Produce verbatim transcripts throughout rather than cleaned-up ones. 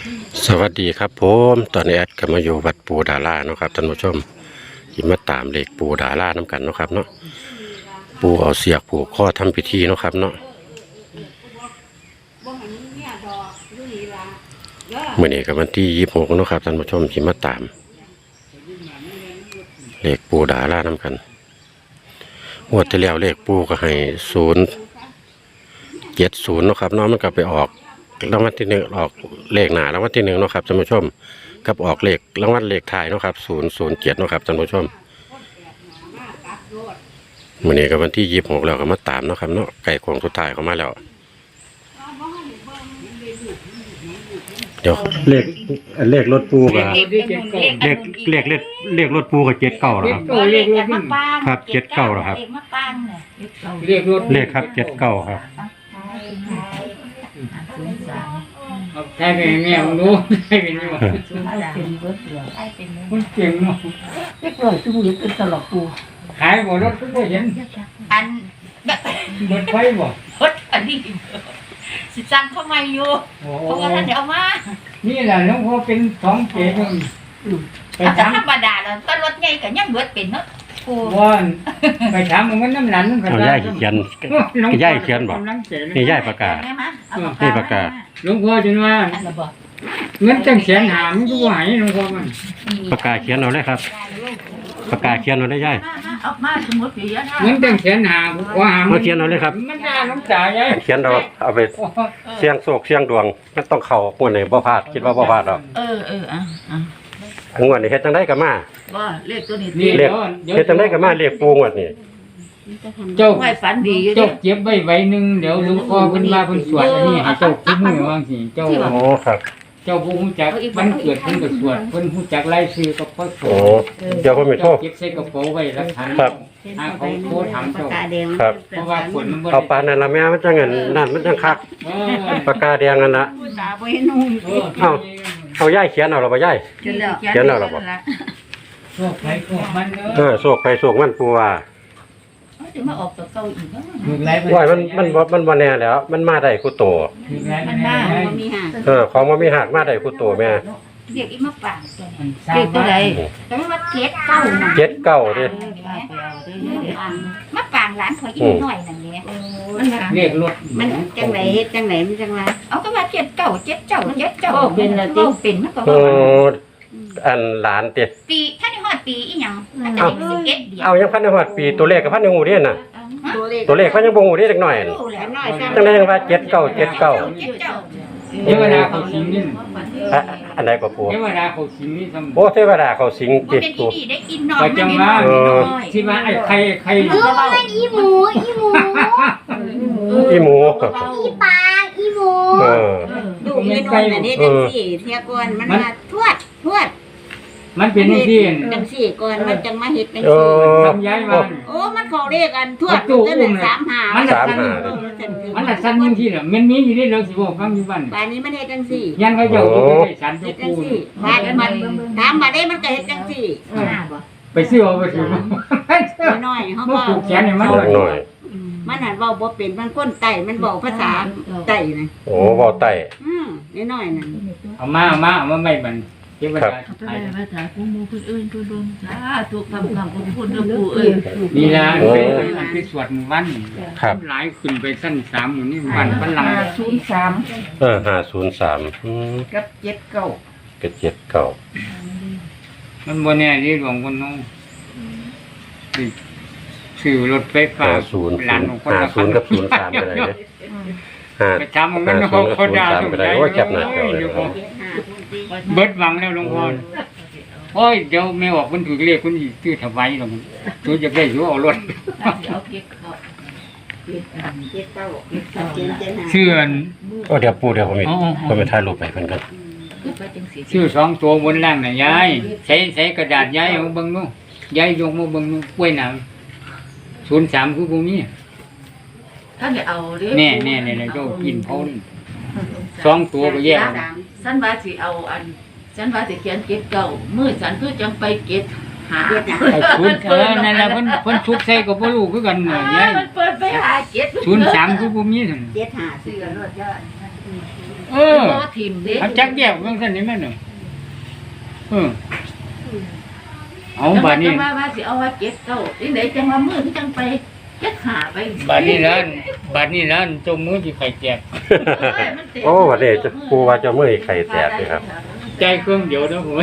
สวัสดีครับผมตอนนี้แอดก็มาอยู่วัดปูดาราเนาะครับท่านผู้ชมที่มาตามเลขปูดาราน้ำกันเนาะครับเนาะปูเอาเสียกผูกข้อทำพิธีเนาะครับเนาะเมื่อนี้กับวันที่ยี่สิบหกเนาะครับท่านผู้ชมที่มาตามเลขปูดาราน้ำกันงวดที่แล้วเลขปูก็ให้ศูนย์เจ็ดศูนย์เนาะครับเนาะมันก็ไปออกรางวัลที่หนึ่งออกเลขหนารางวัลที่หนึ่งเนาะครับท่านผู้ชมกับออกเลขรางวัลเลขท้ายเนาะครับศูนย์ศูนย์เจ็ดเนาะครับท่านผู้ชมมื่อนี้กับวันที่ยี่สิบหกแล้วก็มาตามเนาะครับเนาะไก่โค้งสุดท้ายเข้ามาแล้วเดี๋ยวเลขเลขรถปูกับเลขเลขเลขเลขรถปูกับเจ็ดเก้าแล้วครับครับเจ็ดเก้าแล้วครับเลขรถเลขครับเจ็ดเก้าครับใช่เป็นแม่ผมรู้ใช่เป็นยังไงมันเก่งเนาะเล็กเลยตู้เล็กเป็นตลอดปูขายบ่รถทุกคนเห็นอันรถไฟบ่รถอันนี้สิจังเข้ามาอยู่เพราะว่าท่านเดี๋ยวมานี่แหละหลวงพ่อเป็นสองเกศไปถามธรรมดาแล้วก็รถใหญ่กับยังเบิดเป็นเนาะว่าไปถามมันน้ำหนันเอาย่ายเขียนย่ายเขียนบอกนี่ย่ายประกาศนี่ประกาศหลวงพ่อจนว่าเงินจังเขียนหามก็ไหวหลวงพ่อมันประกาศเขียนเอาเลยครับประกาศเขียนเอาได้ย่ายเอามาสมมติเยอะเงินจังเขียนหามว่าหามมาเขียนเอาเลยครับมันน่าน้ำตาย่ายเขียนเอาเอาไปเสียงโศกเสียงดวงมันต้องเข่าหัวไหนบ่พลาดคิดว่าบ่พลาดหรอกเออเอออ่ะอ่ะงวดนี้เฮ็ดจังได๋ก็มาบ่เลขตัวนี้เลขเฮ็ดจังได๋ก็มาเลขปูงวดนี้เจ้าไม่ฝันดีอยู่เจ้าเก็บไว้ไว้นึงเดี๋ยวหลวงพ่อเพิ่นว่าเพิ่นสวดอันนี้ให้เจ้าคิดมือว่าสิเจ้าโอ้ครับเจ้าผู้ฮู้จักมันเกิดเพิ่นก็สวดเพิ่นฮู้จักรายชื่อก็พอสวดโอ้เดี๋ยวผมไปโทรเก็บใส่กระเป๋าไว้รักษาครับหาเขาโทรถามเจ้าครับเพราะว่าฝนมันบ่เอาปานนั่นล่ะแม่มันจังงั้นนั่นมันจังคักปากกาแดงนั่นล่ะเอาเอาย่ายเขียนเอาล่ะบ่ย่ายเขียนเอาล่ะบ่โชคไผโชคมันเออโชคไผโชคมันปูว่าจะมาออกตัวเก่าอีกเนาะว่ามันมันมันบ่แน่แล้วมันมาได้คู่โตมันมาบ่มีหักเออของบ่มีหักมาได้คู่โตแม่เรียกอีมาปางเรียกตัวใดแต่ว่าเจ็ดเก้าเจ็ดเก้าดิมาปางหลานข่อยอีกหน่อยนั่นแหละมันเรียกรถมันจังไหนเฮ็ดจังไหนมันจังว่าเอาก็ว่าเจ็ดเก้าเจ็ดเจ้าเจ็ดเจ้าเป็นละติเป็นมันก็โอ้อันหลานติปีท่านฮอดปีอีหยังมันจะสิบเอ็ดเดียวเอายังพันฮอดปีตัวเลขก็พันฮู้เด้น่ะตัวเลขเขายังบ่ฮู้เด้จักหน่อยจังได๋จังว่าเจ็ดเก้าเจ็ดเก้าเทวดาเขาสิงนี่อันใดก็ปู่เทวดาเขาสิงนี่ซั่นโอ้เทวดาเขาสิงติดตัวได้กินนอนก็จังว่าที่ว่าไอ้ไข่ไข่เออมันอีหมูอีหมูอีหมูอีปลาอีหมูเออดูอีนวลน่ะนี่จังซี่เที่ยก่อนมันมาทวดทวดมันเป็นจังซี่จังซี่ก่อนมันจังมาเฮ็ดจังซี่ทำย้ายมันโอ้มันเขาเรียกกันทวดตั้งแต่สามหามันสามหามันละสั้นจังซี่น่ะมันมีอยู่ในเราสิบอกฟังอยู่บ้านบ้านนี้มันเฮ็ดจังซี่ยันเขาเจ้าก็ได้สันทุกปูบ้านมันถามมาได้มันก็เฮ็ดจังซี่ไปซื้อเอาไปซื้อน้อยเฮาบ่ผูกแขนให้มันน้อยมันหันเว้าบ่เป็นมันคนไต้มันเว้าภาษาไต้น่ะโอ้เว้าไต้อืมน้อยๆนั่นเอามาเอามาเอามาไม่บันเทวดาไปภาษาผู้มูผู้อื่นผู้ดวงสาธุคำคำของพูดเรื่องผู้เอ้ยนี่ล่ะเป็นอันที่สวดวันหลายขึ้นไปสั้นสามอยู่นี่วันพลังศูนย์สามเออห้าศูนย์สามอืมกับเจ็ดเก้ากับเจ็ดเก้ามันบ่แน่นี่หลวงคนน้องชื่อรถไฟฟ้าศูนย์ห้าศูนย์กับศูนย์สามไปเลยห้าจำมันเขาเขาด่าไปเลยว่าจับหนักเลยเบิดหวังแล้วหลวงพ่อโอ้ยเดี๋ยวแม่ออกมันถือเลขคนอีกชื่อถวายหรอกมันตัวจะได้อยู่เอารถเชื่อก็เดี๋ยวปูเดี๋ยวผมอีกผมไปถ่ายรูปไปเพิ่นกันชื่อสองตัวบนล่างน่ะยายใช้ใช้กระดาษยายเอาเบิ่งนู่นยายยกมาเบิ่งนู่นกล้วยหนามศูนย์สามคือพวกนี้ท่านจะเอาดิแน่แน่เนี่ยเจ้ากินเขาสองตัวก็แยกฉันว่าสิเอาอันฉันว่าสิเขียนเก็บเก่ามือฉันคือจังไปเก็บหาศูนย์เออนั่นแหละเพิ่นเพิ่นชุบใส่กับบ่รู้คือกันเนี่ยยายมันเปิดไปหาเก็บศูนย์สามคือพวกนี้ซั่นเจ็ดห้าซื้อกันรถยอดเออบ่ทิมเด้เอาจักแยกจังซั่นนี่แม่นน่ะเออเอาบัดนี้จังว่าว่าสิเอาว่าเก็บเก้าจังไดจังว่ามือที่จังไปเก็บหาไปบัดนี้นั้นบัดนี้นั้นจมมือสิไข่แจกโอ้วันนี้จะปูว่าจะเมื่อยไข่แตกเลยครับใจเครื่องเดียวเด้อผมว่า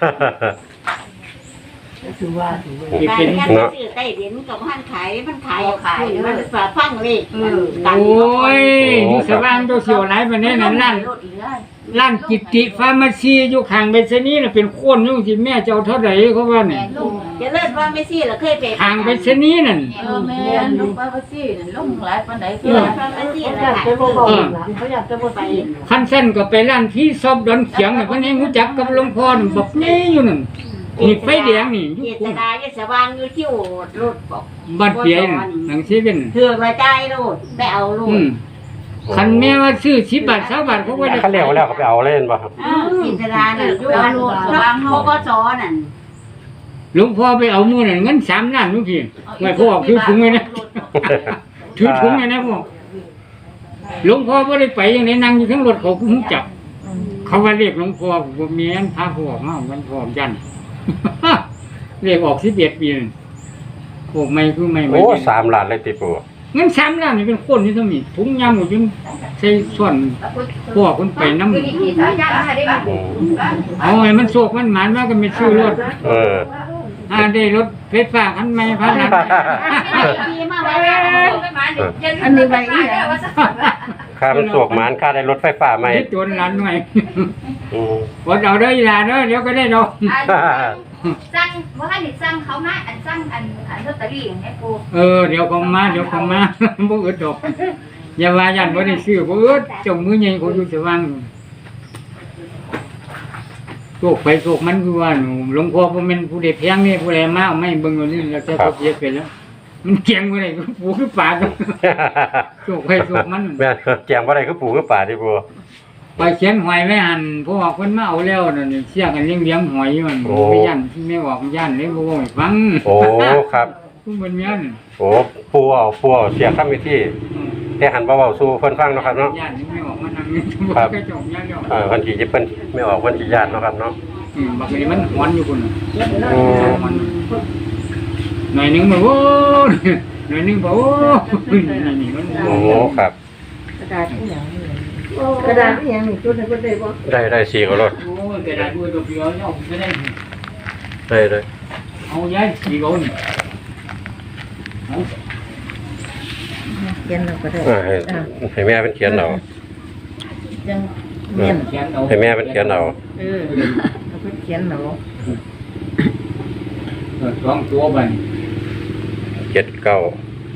คือว่าถือว่าสิกาเป็รนแค่ซื้อใต้ดินกับพันขายมันขายมันฝาฟังเลขโอ้ยอยู่สว่างตัวเสียวหลายปานนี้นั่นนั่น ร้านกิตติฟาร์มาซีอยู่ข้างเบสนีน่ะเป็นโคนอยู่ที่แม่เจ้าเท่าไหร่เขาว่าเนี่ยจะเลิศว่าไม่ซี่เหรอเคยไปข้างเบสนีนั่นเออแม่ลูกป้าว่าสิลงหลายปานใดเอคืออฟังไม่ซี่เหรอเขาอยากจะไปคันเส้นก็ไปร้านที่ซอบดอนเขียงน่ะเพิ่นให้รู้จักกับหลวงพ่อนั่นบอกนี่อยู่นั่นนี่ไฟแดงนี่อยู่เจตนาจะสว่างอยู่ที่โอดรถบอกบ้านเปียนหนังเซเว่นเถื่อมาใจโลดได้เอาโลอืดมคันแม่ว่าซื้อสิบบาทสามบาทเขาก็ได้เขาเรียกว่าแล้วเขาไปเอาเล่นป่ะครับอ้าวจิตนาเนี่ยอยู่อันสว่างเขาก็สอนนั่นหลวงพ่อไปเอามื้อนั้นเงินสามล้านนู่นพี่ไว้พ่อถือถุงไว้นะถือถุงไว้นะพ่อหลวงพ่อบ่ได้ไปจังได๋นั่งอยู่ทั้งรถเขาคุ้มจับ เขาว่าเรียกหลวงพ่อผมว่าเมียนพาพ่อออกมามันพ่อยัน เรียกออกสิบเอ็ดปีนั่นพวกไม่คือไม่ไม่โอ้สามล้านเลยติปูเงินสามล้านนี่เป็นคนที่ต้องมีถุงยำหมดจนใส่ส่วนพ่อคนไปน้ำอืมเอาไงมันโศกมันหมานว่าก็ไม่ซื้อรถเอออ่าได้รถไฟฟ้าคันใหม่พันนะดีมากเลยอันนี้ใบอีหยังค่ามันสวกหมานค่าได้รถไฟฟ้าใหม่คิดโจนหล้านหน่อยอืมวดเอาเด้ออีหลาเด้อเดี๋ยวก็ได้ดอกสั่งว่าให้สั่งเขามาอันสั่งอันอันลอตเตอรี่อย่างนี้กูเออเดี๋ยวเขามาเดี๋ยวเขามา บ่อึดดอกอย่าว่ายันบ่ได้ซื้อบ่อึดจงมือใหญ่เขาอยู่สว่างโชคไปโชคมันคือว่าหนูหลวงพ่อบ่แม่นผู้ใดแพงนี่ผู้ใดมาเอาไม่เบิ่งเอานี่แล้วแต่เขาเสียไปแล้ว มันเกียงบ่ได้ปูคือปลาโชคไปโชคมันแม่นแจงบ่ได้คือปูคือป่าติปูไปเขียนหอยไว้หั่นเพราะว่าเพิ่นมาเอาแล้วนั่นนี่เสียกันเลี้ยงๆหอยมันไม่ย่านที่แม่บอกย่านเลยบ่ว่าให้ฟังโอ้ครับผู้เพิ่นมีอันโอ้ปูเอาปูเอาเสียคำวิธีแต่หันบ่เว้าสู่เพิ่นฟังเนาะครับเนาะย่านนี่ไม่ออกมานั่งนี่บ่ครับกระจกย่านแล้วเออเพิ่นสิเพิ่นไม่ออกเพิ่นสิญาติเนาะครับเนาะอืมบักนี้มันหอนอยู่พุ่นน่ะอืมมันหน่อยหนึงบ่โอ้หน่อยหนึงบ่โอ้นี่นี่มันโอ้ครับกระดาษอีหยังกระดาษอีหยังนี่จุดนั้นก็ได้บ่ได้ได้สี่ก็รถโอ้ยกระดาษด้วยตัวเดียวเอาไม่ได้ได้เลยเอาย้ายสีโกนเอาเขียนเราก็ได้อ่าให้ให้แม่เป็นเขียนเอาจังเขียนเขียนเอาให้แม่เป็นเขียนเอาเออเราก็เขียนเราเออสองตัวบันเจ็ดเก้า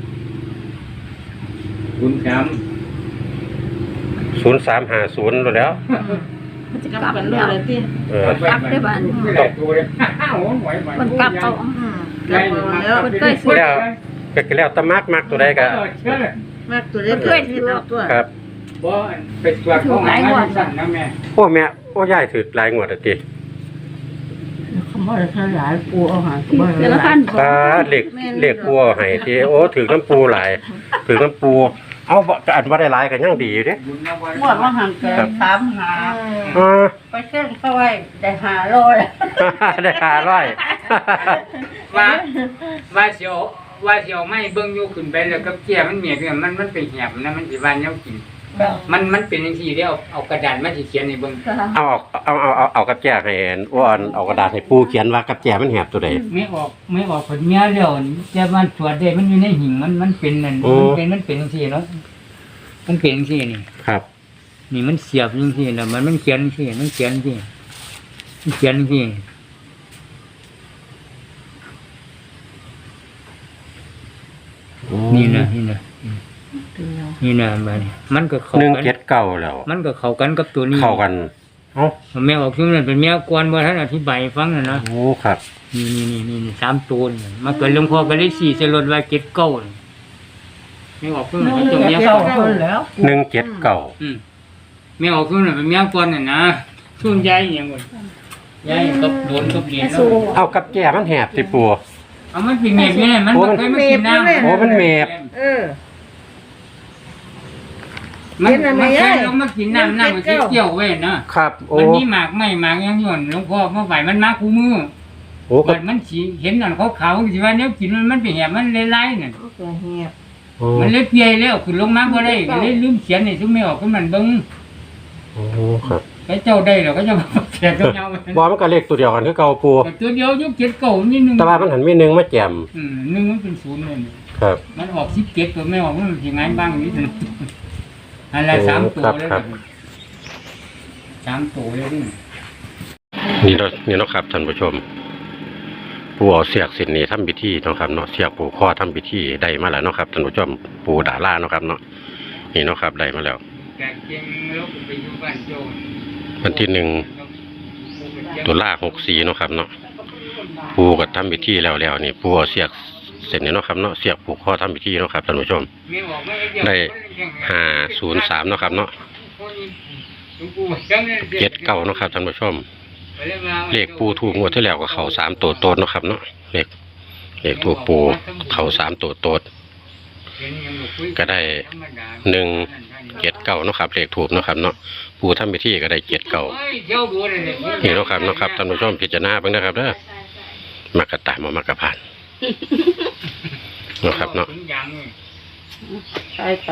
คุณสามศูนย์สามห้าศูนย์แล้วมันจะกลับกันเลยที่เออกลับได้บ้านต้องตัวเลยโอ้โหไหวไหวมันกลับเอากลับแล้วมันเคยซื้อแล้วก็แล้วแตะมักมักตัวใดก็เชื่อมากตัวเล็กที่เราตัวครับบ่ไปตรวจของหายว่าสั่นนะแม่โอ้แม่โอ้ยายถือหลายงวดอะติคำว่าถ้าหลายปูเอาหารก็บ่เดือนละพันตาเหล็กเหล็กปัวให้ที่โอ้ถือน้ำปูหลายถือน้ำปู เอาบ่ก็อันว่าได้หลายก็ยังดีอยู่เด้บุญนะวันงวดว่าหันเกินสามหาอ่าไปเส้นเข้าไว้ได้หาโลเลยได้ห้าร้อยว่าว่าเสียวว่าเสียวไม่เบิ่งอยู่ขึ้นไปแล้วกับแก่มันเมียคือมันมันเป็นแหบนะมันสิว่าแนวกิน มันมันเป็นจังซี่เด้เอาเอากระดาษมาสิเขียนให้เบิ่งเอาเอาเอาเอาเอากับแจให้อันอ้วนเอากระดาษให้ปูเขียนว่ากับแจมันแหบตัวใดไม่ออกไม่ออกผลเมียเดียวแต่มันตรวจได้มันอยู่ในหิ่งมันมันเป็นนั่นโอ้มันเป็นมันเป็นจังซี่เนาะมันเป็นจังซี่นี่ครับนี่มันเสียบจังซี่แล้วมันมันเขียนจังซี่มันเขียนจังซี่มันเขียนจังซี่นี่นะนี่นะนี่นะมานี่มันก็เข้าหนึ่งกันเจ็ดเก้าแล้วมันก็เข้ากันกับตัวนี้เข้ากันเอ้าแม่ออกซึ่งนั่นเป็นแม่กวนบ่ท่านอธิบายให้ฟังน่ะนะโอ้ครับนี่นี่นี่นี่นี่สามตัวนี่มาเกิดหลวงพ่อก็เลยสี่ใส่รถไว้เก็ดเก้านี่ไม่ออกซึ่งมันตัวเมียก่อนแล้วหนึ่งเจ็ดเก้าอืมไม่ออกซึ่งนั่นเป็นเมียก่อนน่ะนะช่วงยายอหย่างบ่ยายตบโดนตบเหรียญแล้วเอากับแจมันแหบสิปูเอามันเป็นเมียนี่มันบ่เคยมากินน้ำโอ้มันเมฟเออมมันเห็นอะไรมันยาแค่ยลงมากินน้ำน้ำมันสิเกี่ยวไว้นะครับโอ้มันมีหมากไม่หมากยังหย่อนหลวงพ่อเมื่อไหร่มันมาคู่มือโอ้ก็บัดมันสิเห็นนั่นเขาขาวๆสิว่าแนวกินมันมันเป็นแหบมันหลายๆนั่นก็เหียบโอ้มันเลยเปียแล้วขึ้นลงมาบ่ได้ก็เลยลืมเขียนให้ซุมไม่ออกคือมันเบิ่งโอ้ครับไอ้เจ้าได้แล้วก็จะมาแจกกับเงาบ่มันก็เลขตัวเดียวกันคือเก่าปูแต่ตัวเดียวยุคเจ็ดเก่านี่หนึงแต่ว่ามันหันมีหนึ่งมาแจมอืมหนึ่งมันเป็นศูนย์เลยนี่ครับมันออกสิบเจ็ดตัวไม่ออกมันสิงานบ้างนิดนึงอะไรสามตัวเลยสามตัวเลยนี่นี่เนาะนี่เนาะครับท่านผู้ชมปู่เอาเสียกสินนี่ทำพิธีเนาะครับเนาะเสียกปู่ข้อทำพิธีได้มาแล้วเนาะครับท่านผู้ชมปู่ดาราเนาะครับเนาะนี่เนาะครับได้มาแล้วแกเก่งแล้วไปอยู่บ้านโจรวันที่หนึ่งตุลาหกสี่เนาะครับเนาะปู่ก็ทำพิธีแล้วแล้วนี่ปู่เอาเสียกเสร็จนี่เนาะครับเนาะเสียกปู่ข้อทำพิธีเนาะครับท่านผู้ชมไม่ออกไม่เดียวได้ห้าศูนย์สามเนาะครับเนาะเจ็ดเก้าเนาะครับท่านผู้ชมเลขปูถูกงวดที่แล้วก็เขาสามตัวโตดเนาะครับเนาะเลขเลขถูกปูเขาสามตัวโตดก็ได้หนึ่งเจ็ดเก้าเนาะครับเลขถูกเนาะครับเนาะปูทำพิธีก็ได้เจ็ดเก้านี่เนาะครับเนาะครับท่านผู้ชมพิจารณาเบิ่งนะครับเด้อมักกะตามามากกะผ่านเนาะครับเนาะไปไป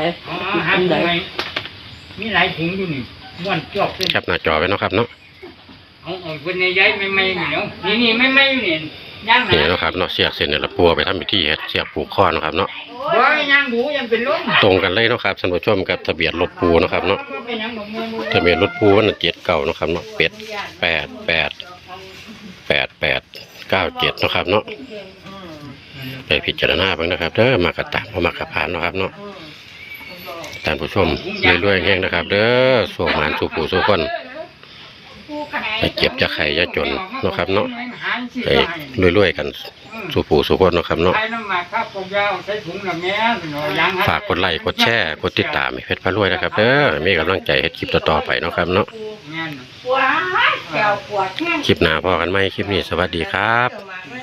มีหลายถุงอยู่นี่ม้วนจอกเป็นแคปหน้าจอไว้เนาะครับเนาะเอาเอาเป็นในย้ายไม่ไม่อยู่แล้วนี่นี่ไม่ไม่อยู่นี่ย่างหนี่นาเนาะครับเนาะเสียกเส้นเนี่ยละปูเอาไปทำพิธีเฮ็ดเสียกผูกข้อเนาะครับเนาะบ่ย่างดูยังเป็นล้มตรงกันเลยเนาะครับท่านผู้ชมกับทะเบียนรถปูเนาะครับเนาะเป็นยังดอกเงินทะเบียนรถปูมันเจ็ดเก้าเนาะครับเนาะเป็ดแปดแปดแปดแปดเก้าเจ็ดเนาะครับเนาะไปพิจารณาเบ้างนะครับเด้อมากระตักมากระพานเนาะครับเนาะท่านผู้ชมรวยๆแห้งนะครับ เด้อสวงหมานสู่ผู้สู่คนไปเก็บจะไข่จะจนเนาะครับเนาะไปรวยๆกันสู่ผู้สู่คนเนาะครับเนาะใช้น้ำหมักครับผมยาวใช้ถุงละแม่ย่างฝากกดไลค์กดแชร์กดติดตามให้เพชรพารวยนะครับเด้อมีกำลังใจเฮ็ดคลิปต่อๆไปเนาะครับเนาะงานว้ายแก้วปวดแห้งคลิปหน้าพอกันไหมคลิปนี้สวัสดีครับเจ้ามาเลย